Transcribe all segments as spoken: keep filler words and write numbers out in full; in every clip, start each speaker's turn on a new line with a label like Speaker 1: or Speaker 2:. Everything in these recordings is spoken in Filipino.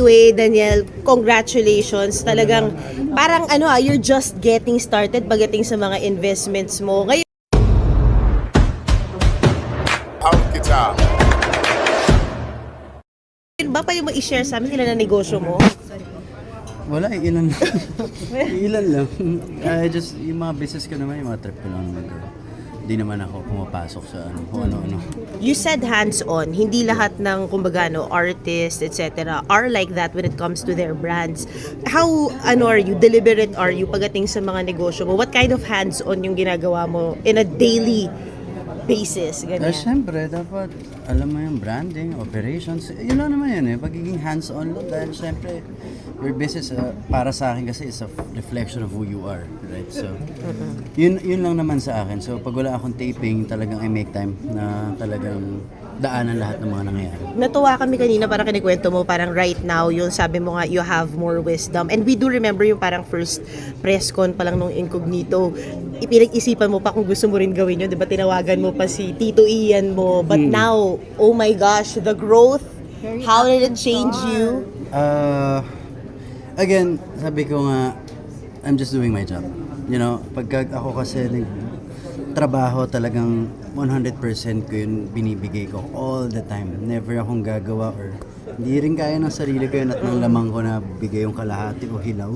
Speaker 1: Anyway, Daniel, congratulations. Talagang parang ano ah, you're just getting started pagdating sa mga investments mo. Ngayon, ba pa yung ma-share sa amin ilan na negosyo mo?
Speaker 2: Wala, eh, ilan lang. Ilan lang. I just, yung mga business ko naman, yung mga trip ko lang naman. Hindi naman ako pumapasok sa ano, kung ano-ano.
Speaker 1: You said hands-on. Hindi lahat ng, kumbaga, no, artists, et cetera are like that when it comes to their brands. How, ano are you, deliberate are you pagdating sa mga negosyo mo? What kind of hands-on yung ginagawa mo in a daily basis?
Speaker 2: Eh,
Speaker 1: Ganyan.
Speaker 2: syempre, dapat alam mo yung branding, operations. Yun lang naman yun eh. Pagiging hands-on lang dahil syempre, your business uh, para sa akin kasi is a reflection of who you are, right? So, yun yun lang naman sa akin. So, pag wala akong taping, talagang I make time na talagang daanan lahat ng mga nangyayari.
Speaker 1: Natuwa kami kanina, parang kinikwento mo, parang right now, yung sabi mo nga, you have more wisdom. And we do remember yung parang first press con pa lang nung Incognito. Ipinag-isipan mo pa kung gusto mo rin gawin yun. Diba tinawagan mo pa si Tito Ian mo. But
Speaker 2: Hmm.
Speaker 1: now, oh my gosh, the growth, how did it change you?
Speaker 2: Uh, again, sabi ko nga, I'm just doing my job. You know, pagka ako kasi trabaho talagang one hundred percent ko yun binibigay ko all the time. Never akong gagawa or hindi rin kaya ng sarili ko yun at ng lamang ko na bigay yung kalahati o hilaw.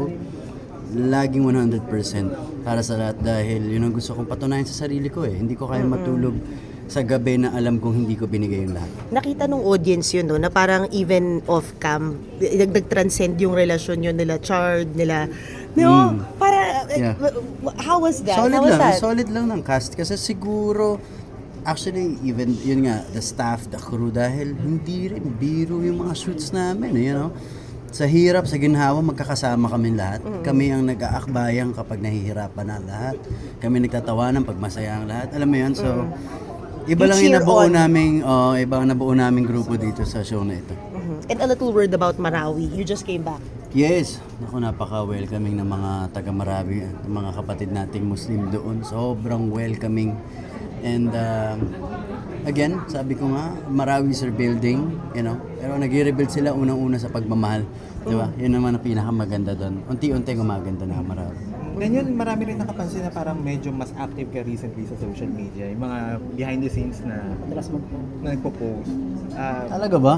Speaker 2: Laging one hundred percent para sa lahat dahil yun ang gusto kong patunayan sa sarili ko eh. Hindi ko kaya matulog sa gabi na alam kong hindi ko binigay yung lahat.
Speaker 1: Nakita nung audience yun, no, na parang even off-cam, nag-transcend yung relasyon yun nila, Chard, nila, no,
Speaker 2: Mm.
Speaker 1: para,
Speaker 2: Yeah.
Speaker 1: how was that?
Speaker 2: Solid
Speaker 1: how was
Speaker 2: lang,
Speaker 1: that?
Speaker 2: solid lang ng cast kasi siguro actually even yun nga the staff, the crew dahil hindi rin biro yung mga shoots namin, eh, you know. Sa hirap, sa ginhawa, magkakasama kami lahat. Kami ang nag-aakbayang kapag nahihirapan na lahat. Kami nagtatawanan pag masaya ang lahat. Alam mo yun, so iba lang yung
Speaker 1: cheer
Speaker 2: nabuo
Speaker 1: on.
Speaker 2: naming, oh, iba ang nabuo naming grupo dito sa show na ito.
Speaker 1: Mhm. And a little word about Marawi. You just came back.
Speaker 2: Yes, ako napaka-welcoming ng mga taga-Marawi, ng mga kapatid nating Muslim doon. Sobrang welcoming. And um, again, sabi ko nga, Marawi's rebuilding, you know. Pero nag-rebuild sila unang-una sa pagmamahal. Di ba? Yun naman ang pinakamaganda doon. Unti-unti gumaganda na ang Marawi.
Speaker 3: Ganyan, marami rin nakapansin na parang medyo mas active ka recently sa social media. Yung mga behind the scenes na madalas mag na nagpo-post. Ah,
Speaker 2: Talaga ba?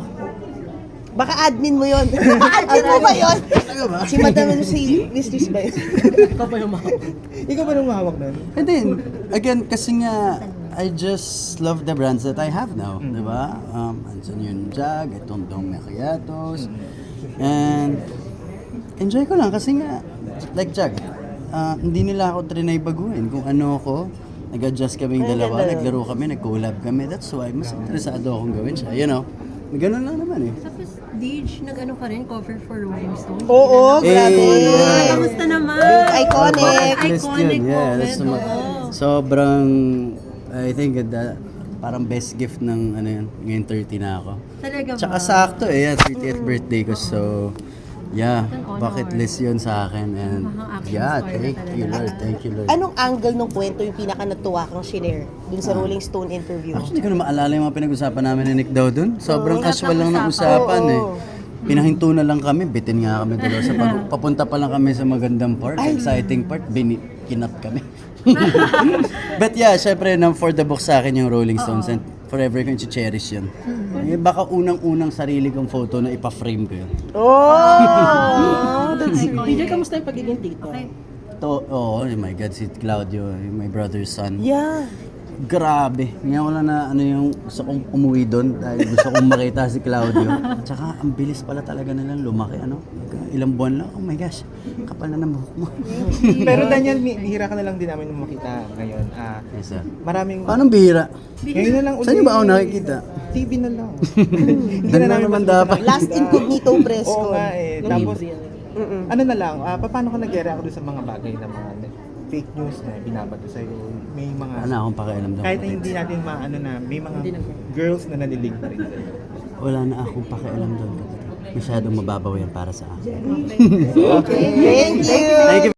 Speaker 1: Baka admin mo yun. Admin mo ba yun?
Speaker 2: Talaga ba?
Speaker 1: Si Madam, si Mistress ba yun?
Speaker 3: ikaw ba yung mahawak? ikaw ba yung mahawak nun?
Speaker 2: And then, again, kasi nga, I just love the brands that I have now, di ba? Um, andyan yung Jag, itong Dong Macchiatos, and enjoy ko lang kasi nga, like Jag, ah, hindi nila ako trinay baguhin kung ano ako. Nag-adjust kaming
Speaker 1: Ay,
Speaker 2: dalawa,
Speaker 1: ganda.
Speaker 2: naglaro kami, nag-collab kami. That's why, mas interesado akong gawin siya, you know? Ganun lang naman eh.
Speaker 4: Tapos, Dage, nag-ano ka rin, cover for Rolling Stone.
Speaker 1: Oo,
Speaker 2: Eh,
Speaker 1: grabe.
Speaker 2: yeah.
Speaker 4: Kamusta naman?
Speaker 1: Iconic.
Speaker 2: Best
Speaker 4: Iconic
Speaker 2: yun, yeah. That's
Speaker 4: moment,
Speaker 2: suma-
Speaker 4: oo.
Speaker 2: sobrang, I think, that, parang best gift ng, ano yun, ngayon thirty na ako.
Speaker 4: Talaga ba?
Speaker 2: Tsaka sakto eh, yeah, thirtieth birthday ko. So, yeah,
Speaker 4: An honor.
Speaker 2: bucket list yun sa akin. And
Speaker 4: Mukhang action
Speaker 2: yeah,
Speaker 4: star na
Speaker 2: thank
Speaker 4: talaga.
Speaker 2: you Lord, thank you Lord.
Speaker 1: Anong angle ng kwento yung pinaka natuwa kang shinare dun sa Rolling Stone interview?
Speaker 2: Actually, hindi ko na maalala yung mga pinag-usapan namin ni Nick daw dun. Sobrang casual lang ng usapan eh.
Speaker 1: Oo.
Speaker 2: Pinahinto na lang kami, bitin nga kami dalawa sa pag- papunta pa lang kami sa magandang part, exciting part, bini kinat kami. But yeah, syempre nang for the book sa akin yung Rolling Stones and forever ko yung cherish yun. Eh, baka unang-unang sarili kong photo na ipa-frame ko yun.
Speaker 1: Oh! That's sweet.
Speaker 5: D J, kamusta yung pagiging tito?
Speaker 4: Okay.
Speaker 2: To, oh, oh my God, si Claudio, yung my brother's son.
Speaker 1: Yeah.
Speaker 2: Grabe. Ngayon ko lang na ano yung gusto kong umuwi doon dahil gusto kong makita si Claudio. Tsaka ang bilis pala talaga nilang lumaki. Ano? Ilang buwan lang. Oh my gosh. Kapal na ng buhok mo.
Speaker 3: Pero Daniel, mi- bihira ka na lang din namin makita ngayon. Ah,
Speaker 2: Yes, sir.
Speaker 3: maraming...
Speaker 2: Paano bihira?
Speaker 3: Ngayon na lang
Speaker 2: Saan niyo ba ako nakikita?
Speaker 3: T V na lang. Hindi
Speaker 2: Doon
Speaker 3: na
Speaker 2: lang
Speaker 3: namin
Speaker 2: naman
Speaker 3: mas
Speaker 2: dapat.
Speaker 3: makita.
Speaker 1: Last Incognito press
Speaker 3: Oo
Speaker 1: ko.
Speaker 3: nga eh. Tapos, ano na lang, ah, paano ka nag-react doon sa mga bagay na mga fake news na binabato sa'yo? May mga...
Speaker 2: Wala akong pakialam daw.
Speaker 3: Kahit na hindi natin maano na, may mga girls na nanilig pa rin sa'yo.
Speaker 2: Wala na akong pakialam doon. Masyadong mababaw yan para sa akin.
Speaker 1: Okay. Thank you.
Speaker 2: Thank you.